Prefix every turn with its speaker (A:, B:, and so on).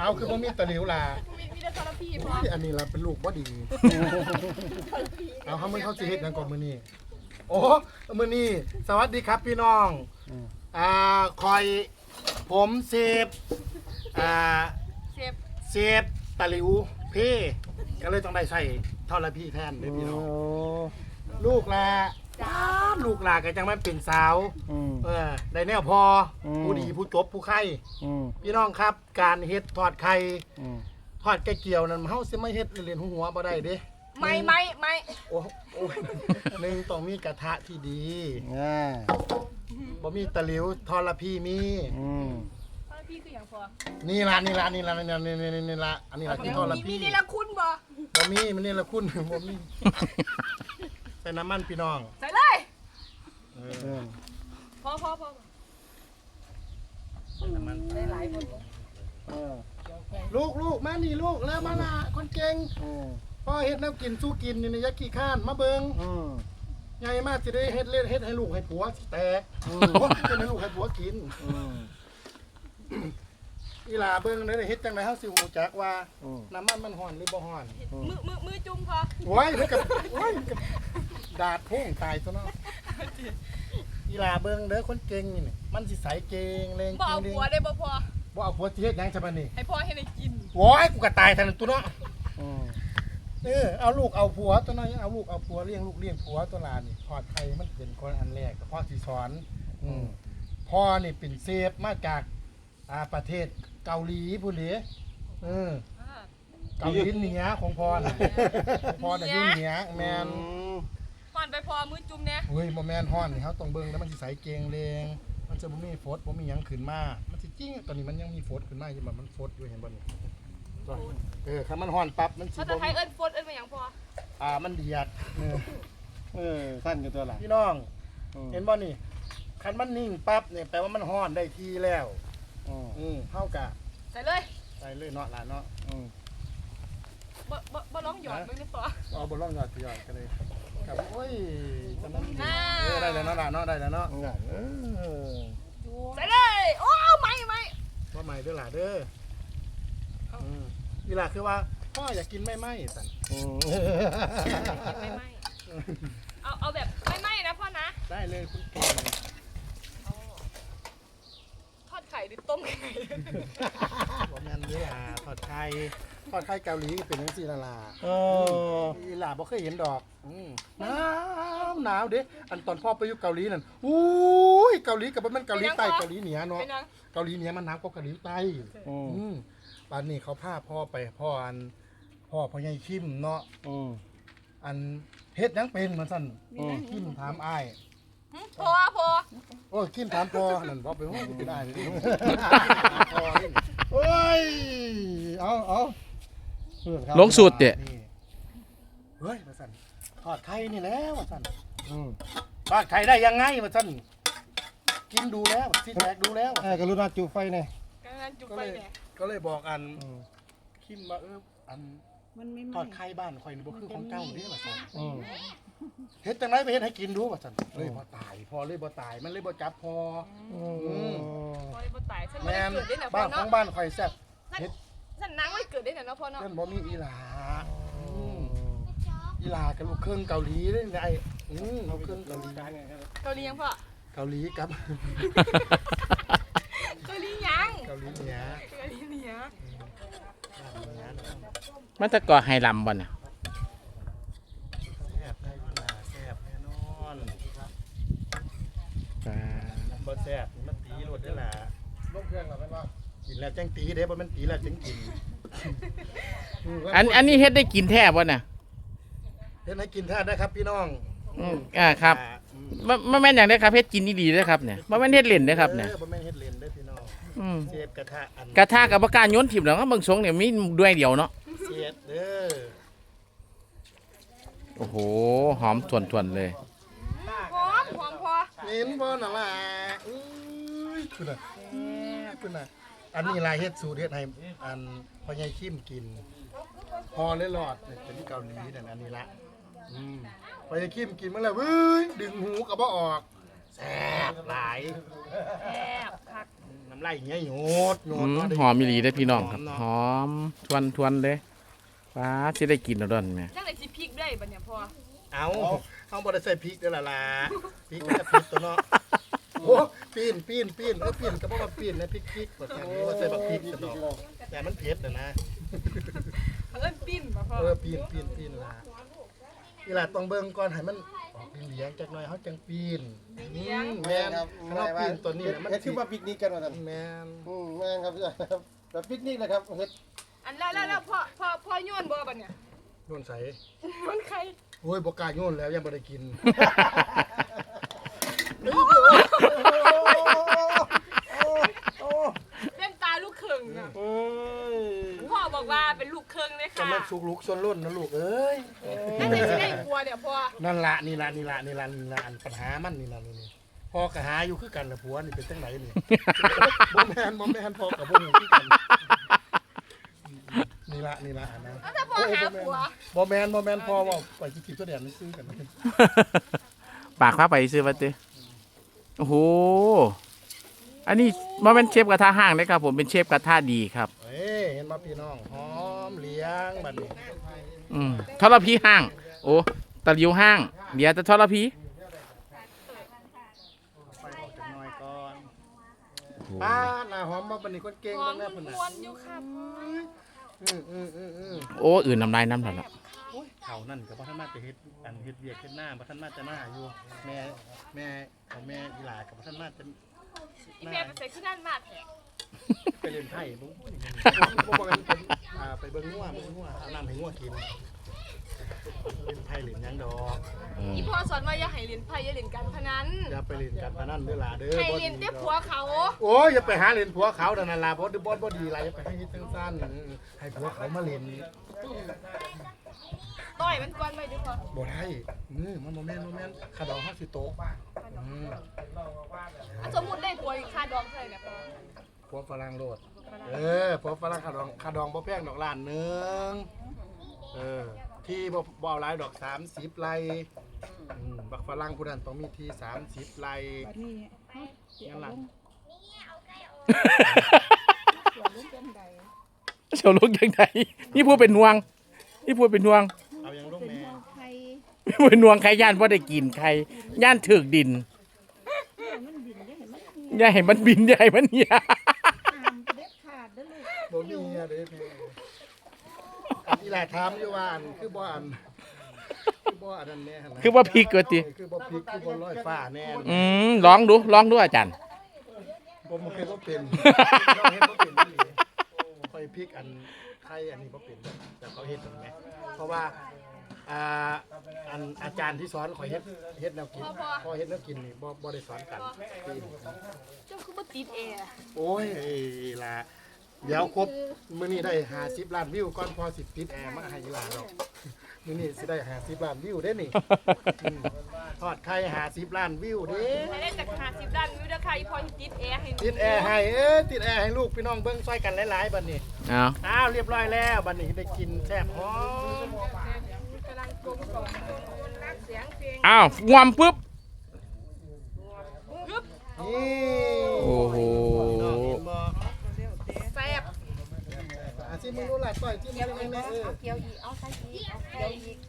A: เอาคือบ่มีตะหลิวล่ะ
B: มีแต่ทรพีพอ
A: อันนี้ล่ะเป็นลูกบ่ดีเอาเขาสิเฮ็ดหยังก่อนมื้อนี้โอ้มื้อนี้สวัสดีครับพี่น้องคอยผมเซฟเซฟตะหลิวเพ่ก็เลยต้องได้ใส่ทรพีแทนเด้อพี่น้องลูกล่ะลูกหลาก็จังมันเป็นสาวได้แนวพอผู้ดีผู้จบผู้ไข่พี่น้องครับการเฮ็ดทอดไข่ทอดแกเกี่ยวนั่นเฮาสิไม่เฮ็ดเล่นหัวบ่ได้เด้
B: ไม่
A: โอ้หนึ่งต้องมีกระทะที่ดีบ่มีตะหลิวทอดละพี่มี
B: ทรพีคืออย่างพอ
A: นี่ล่ะนี่ล่ะอันนี้ล่ะคือทอดละพี่
B: มีนี่ละคุณบ่
A: มีมันนี่ละคุณบ่มีใส่น้ำมันพี่น้อง
B: ใส่เลยพอ
A: ใส่น้ำมัน
B: ได้หลายคน
A: ลูกมานี่ลูกแล้วมาละคนเก่งพ่อเฮ็ดน้ำกินสู้กินนี่ยักษ์ขี้ข้านมาเบิ่งใหญ่มากสิได้เฮ็ดให้ลูกให้ผัวสิแตกจะให้ลูกให้ผัวกินอีหลาเบิ่งได้เฮ็ดจังได๋เฮาสิฮู้จักว่าน้ำมันร้อนหรือบ่ร้อน
B: มือจุ่มพอ
A: โอ้ยมันก็ดาดพุ่งตายซะเนาะอีหลาเบิ่งเด้อคนเก่งนี่มันสิใสเก่งเลง
B: บ่เอาผัวได้บ่พอ
A: บ่เอาผัวสิเฮ็ดหยังซะบัดนี้
B: ให้พ่อให้ได้กิน
A: โอ้ยกูก็ตายทันตัวเนาะเอาลูกเอาผัวตัวน้อยเอาลูกเอาผัวเลี้ยงลูกเลี้ยงผัวตัวหลานนี่ทอดไข่มันเป็นคนอันแรกก็พ่อสิสอนพ่อนี่เป็นเซฟมาจากประเทศเกาหลีพุ่นเด้เกาหลีเหนือของพ่อน่ะพ่อน่ะอยู่เหนือแม่น
B: ฮ้อนไปพอมือจุ่มแน่
A: เฮ้ยบ่แม่นฮ้อนนี่เฮาต้องเบิ่งแล้วมันสิใสเกงเลงมันจะบ่มีฝดบ่มีหยังขึ้นมามันสิจริงตอนนี้มันยังมีฝดขึ้นมาอยู่แบบมันฝดอยู่เห็นบ่นี่คันมันฮ้อนปั๊บมันสิบ่
B: ภาษาไทยเอิ้นฝดเอิ้นว่าหยังพอ
A: มันเดียด
C: สั้นอยู่ตัวล่ะ
A: พี่น้องเห็นบ่นี่คันมันนิ่งปั๊บเนี่ยแปลว่ามันฮ้อนได้ทีแล้วเฮากะ
B: ใส่เลย
A: เนาะหลานเนาะ
B: บ่ร้องหยอดเบิ่งได้พอ
A: บ่ร้องหยอดกันเลยครับโอ้ยจังนั้นได้แล้วเนาะหลานเนาะได้แล้วเนาะ
B: ใส่เลยโอ้ไม่
A: ว่าใหม่เด้อหลานเด้ออีหลาคือว่าพ่ออยากกินไม่สั่น
B: ไม่เอาแบบไม่นะพ่อนะ
A: ได้เลยคุณเก่ง
B: ทอดไข่หรือต้มไข่
A: บ่แม่นเด้อหลาทอดไข่เกาหลีเป็นจังซี่ล่ะล่ะอีหลาบ่เคยเห็นดอกหนาวเด้อันตอนพ่อไปอยู่เกาหลีนั่นอุ้ยเกาหลีกับมันเกาหลีใต้เกาหลีเหนือเนาะเกาหลีเหนือมันหนาวกว่าเกาหลีใต้ป่านนี้เขาพาพ่อไปพ่อใหญ่คิมเนาะอันเฮ็ดยังเป็นมันสั่นคิมถามอ้าย
B: พอ
A: โอ้คิมถามพ่อนั่นพ่อไปโอ้ยเป็นอ้ายเลยโอ้ยเอา
C: ลงสูตรเด้
A: เฮ้ยมาสั่นทอดไข่นี่แล้วมาสั่นทอดไข่ได้ยังไงมาสั่นกินดูแล้วซิแตกดูแล้ว
C: กรุณาจุไฟหน่อย
A: ก็เลยบอกอันคิมว่าอันทอดไข่บ้านข่อยนี่บ่คือของเก่าเด้ว่าซั่นเฮ็ดจังได๋ไปเฮ็ดให้กินดูว่าซั่นเลยบ่ตายพอเลยบ่ตายมันเลยบ่จับพอ
B: พอเลยบ่ตายฉันบ่
A: ได้
B: เกิดได้น่ะพ่
A: อเนาะบ้านของบ้านข่อยแซ่บ
B: เฮ็ดฉันนางไม่เกิดได้น่ะเนาะพ่อเนาะ
A: ฉันบ่มีอีหลากับลูกเครื่องเกาหลีเด้ไอ้ลูกเครื่องเกาหลี
B: เกาหลียังพ่อ
A: เกาหลีกับ
B: เกาหลียัง
A: เกาหลีเหนือ
C: มันจะก่อไฮลัมบ่น่ะ
A: แซ่บได้แซ่บแน่นอนบ่แซ่บมันตีรสได้ล่ะลงเครื่องแล้วแม่นบ่กินแล้วจังตีเด้บ่แม่นตีแล้วจังกิน
C: อันนี้เฮ็ดได้กินแท้บ่น่ะ
A: เฮ็ดให้กินแท้ได้ครับพี่น้อง
C: ครับบ่แม่นหยังเด้อครับเฮ็ดกินดีๆเด้อครับเนี่ยบ่แม่นเฮ็ดเล่นเด้อครับเนี่ย
A: บ่แม่นเฮ็ดเล่นเด้อพี่น้องเชฟกระทะ
C: กับบ่กล้าโยนถิ่มแล้วเบิ่งสงเนี่ยมีด้วยเดียวเนาะ
A: เสียดเด้อ
C: โอ้โหหอมส่วนๆเลย
B: หอมพอ
A: เห็นบ่น่ะล่ะคุณน่ะอันนี้ลายเฮ็ดสูตรเฮ็ดให้อันพ่อใหญ่คิมกินพอเลยหลอดเป็นเกาหลีนั่นอันนี้ละพ่อใหญ่คิมกินมาแล้วเว้ยดึงหูก็บ่ออกแซ่บหลาย
B: แซ่บคัก
A: น้ำไล่เงี้ยโยด
C: หอมมีหลีได้อพี่น้องครับหอมทวนเลยว้าสิได้กินแล้วดอนแม่
B: จังได๋สิพริกได้บัดเนี่ยพ่อ
A: เอาบ่ได้ใส่พริกเด้อล่ะพริกมันจะพริกตัวเนาะโอ้ปีนปีนก็บ่ว่าปีนนะพริกบ่ใช่ว่าใส่บักพริกซะดอกแต่มันเผ็ดนะ
B: เอิ้นปิ้นบ่พ่อ
A: ปีนล่ะอีหล่ะต้องเบิ่งก่อนให้มันออกเหลียงจักหน่อยเฮาจังปีนแม่นครับเราปีนตัวนี้มัน
D: เฮ็ดคือมาปิกนิกกันว่าซั่น
A: แม่น
D: แม่นครับแบบปิกนิกนะครับเฮ็ด
B: อันแล้วพ่อโยนบ่บัดเนี่ย
A: โยนใส่
B: มันใคร
A: โอ้ยบ่กล้าโยนแล้วยังบ่ได้กิน
B: เป็นตาลูกครึ่งน่ะ
A: เอ้ย
B: พ่อบอกว่าเป็นลูกครึ่งเลย
A: จะ
B: ค่ะ
A: มาสุกลุกส่วนล้นนะลูกเอ้ย
B: นั่นสิได้กลัวเนี่ยพ่อ
A: นั่นละนี่ละอันปัญหามันนี่พ่อก็หาอยู่คือกันละผัวนี่เป็นจังไหนนี่ บ่แม่นพ่อกับบ่ฮู้คือกันนี่ละอันนั้น
B: แล้วถ้าพ่อหาผัว
A: บ่แม่นพ่อว่าไปสิกินตัวเดียวนี่ซื้อกัน
C: ปากฟ้าไปซื้อมาติโอ้โหอันนี้บ่แม่นเชฟกระทะห้างเด้อครับผมเป็นเชฟกระทะดีครับ
A: เอ้ยเห็นบ่พี่น้องหอมเลี้ยงบัดนี้
C: ทรพีห้างโอ้ตะลิวห้างเดี๋ยวจะทรพี
A: ไฟออกจักหน่อยก่อนป้าหน้าหอมบ่บัดนี้คนเก่ง
B: หอ
A: เบิ่
B: ม
A: งแน่เพิ่นน่ะ
B: ม้วนๆอยู่ค่ะพ่อ
C: โอ้อื่นน้ำลายน้ำหลับละ
A: เขานั่นก็บ่ทันมาจะเฮ็ดอันเฮ็ดเวียกเฮ็ดหน้าบ่ทันมาจะหน้าอยู่แม่ของแม่อีหลาก็บ่ทันมาจะ
B: อีแม่ไปใส่ขึ้นนั่นมากแท้
A: ไปเล่นไพ่บ่บ่กันไปเบิ่งงัวเอาน้ำให้งัวกินเล่นไพ่เล่นหยังดอก
B: อีพ่อสอนว่าอย่าให้เล่นไพ่อย่าเล่นการพนัน
A: อย่าไปเล่นการพนันเด้อล่ะเด้อ
B: ให้เล่นแต่ผัวเขา
A: โอ้ยอย่าไปหาเล่นผัวเขานั่นล่ะบ่ดีหลายอย่าไปให้เฮ็ดจังซั่นให้ผัวเขามาเล่น
B: ต่อยมันก่อนไปดิพ่อ
A: บ่ได้มันบ่แม่นขาดอกเฮาสิโตก
B: อ่ะสมมุติได้ผัวอีกค่าดองเท่าไหร่เนี่ยพ่อ
A: ผัวฝรั่งโลดผัวฝรั่งขาดองบ่แพงดอกล้านนึงที่บ่เอาหลายดอก30ไร่บักฝรั่งผู้นั้นต้องมีที่30ไร่งั้นล่ะ
C: เฉียวลูกยังไงนี่พูดเป็นห่วง
A: เอายังลูกแม่
C: นี่พูดเป็นห่วงใครย่านว่าได้กินใครย่านถึกดินอย่าให้มันบินอย่าให้มันเหี่ย
A: บ่มีเด้ออีหลาถามอยู่ว่าคือบ่อันนั้นแน่หั่นนะ
C: คือว่าพริกก็ติ
A: คือบ่พริกคือบ่ลอยฟ้าแน่
C: ลองดูอาจารย์
A: ผมบ่เคยบ่เป็นเฮ็ดบ่เป็นอีหลีค่อยพริกอันไทยอันนี้บ่เป็นแต่เขาเฮ็ดนั่นแหมเพราะว่าอันอาจารย์ที่สอนข่อยเฮ็ดแนวกินพอเฮ็ดแนวกินนี่บ่ได้สอนกัน
B: เจ้าคือบ่ติดแอร์
A: โอ้ยล่ะเดี๋ยวครบมื้อนี้ได้50ล้านวิวก่อนพอสิติดแอร์มาให้อีหลาดอกมื้อนี้สิได้50ล้านวิวเด้นี่ทอดไข่50ล้านวิวเด้
B: ให้ได้จาก50ล้านวิวเด้อค่ะอีพ่อสิติดแอร์ให้
A: ติดแอร์ให้ติดแอร์ให้ลูกพี่น้องเบิ่งช่วยกันหลายๆบัดนี้
C: เอา
A: เรียบร้อยแล้วบัดนี้ได้กินแซ่บหอม
B: กำลังกลมกล่อมรักเสียงเพลง
C: อ้าวงวมปุ๊บ
B: ยึบ
A: นี่
C: โอ้โห
A: น้องเห็นบ่
B: แซ่บ
A: สิมึงรู้ล่ะต่อยที่มึงแม่
E: เอาเกียวอีก เอาใส่อีก เอาเกียวอีก